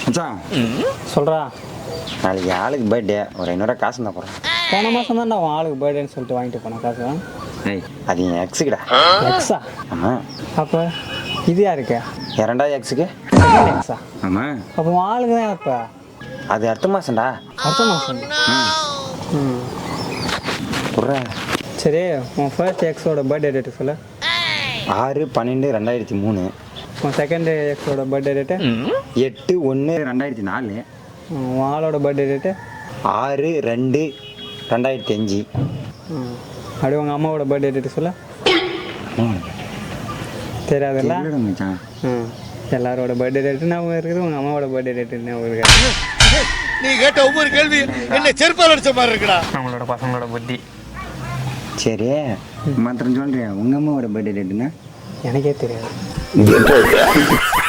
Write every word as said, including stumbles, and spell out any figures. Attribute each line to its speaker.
Speaker 1: மச்சான்
Speaker 2: சொல்கிறா.
Speaker 1: நாளைக்கு ஆளுக்கு பர்த்டே ஒரு ஐநூறுரூவா காசு தான் போகிறேன்.
Speaker 2: போன மாதம் தான் அவன் ஆளுக்கு பர்த்டேன்னு சொல்லிட்டு வாங்கிட்டு போனேன் காசு.
Speaker 1: ஏய் அது என் எக்ஸுக்குடா.
Speaker 2: எக்ஸா?
Speaker 1: ஆமாம்.
Speaker 2: அப்போ இது யாருக்கு?
Speaker 1: என் ரெண்டாவது எக்ஸுக்கு.
Speaker 2: எக்ஸா?
Speaker 1: ஆமாம்.
Speaker 2: அப்போ உன் ஆளுக்கு தான் எப்போ?
Speaker 1: அது அடுத்த மாதம்டா.
Speaker 2: அடுத்த மாதம்? ம்.
Speaker 1: புர்றா.
Speaker 2: சரி, உன் ஃபர்ஸ்ட் எக்ஸோட பர்த்டே டேட்டு சொல்லு.
Speaker 1: ஆறு பன்னெண்டு ரெண்டாயிரத்தி மூணு.
Speaker 2: உன் செகண்ட் எக்ஸோட பர்த்டே டேட்டு?
Speaker 1: எட்டு ஒன்று ரெண்டாயிரத்தி நாலு.
Speaker 2: உன் ஆளோட பர்த்டே டேட்டு?
Speaker 1: ஆறு ரெண்டு ரெண்டாயிரத்தி அஞ்சு.
Speaker 2: ம். அப்படியே உங்கள் அம்மாவோட பர்த்டே டேட்டு சொல்ல. தெரியாதுல்ல?
Speaker 1: மச்சான்.
Speaker 2: ம். எல்லாரோட பர்த்டே டேட்டு ஞாபகம் இருக்குது, உங்கள் அம்மாவோட பர்த்டே டேட்டு ஞாபகம் இருக்குது.
Speaker 3: நீ கேட்ட ஒவ்வொரு கேள்வி என்ன செருப்பால் அடிச்ச மாதிரி இருக்குடா.
Speaker 2: நம்மளோட பசங்களோட புத்தி.
Speaker 1: சரி மாத்திரம் சொல்கிறேன், உங்கள் அம்மாவோட பர்த்டே டேட்டுன்னா?
Speaker 2: எனக்கே தெரியாது.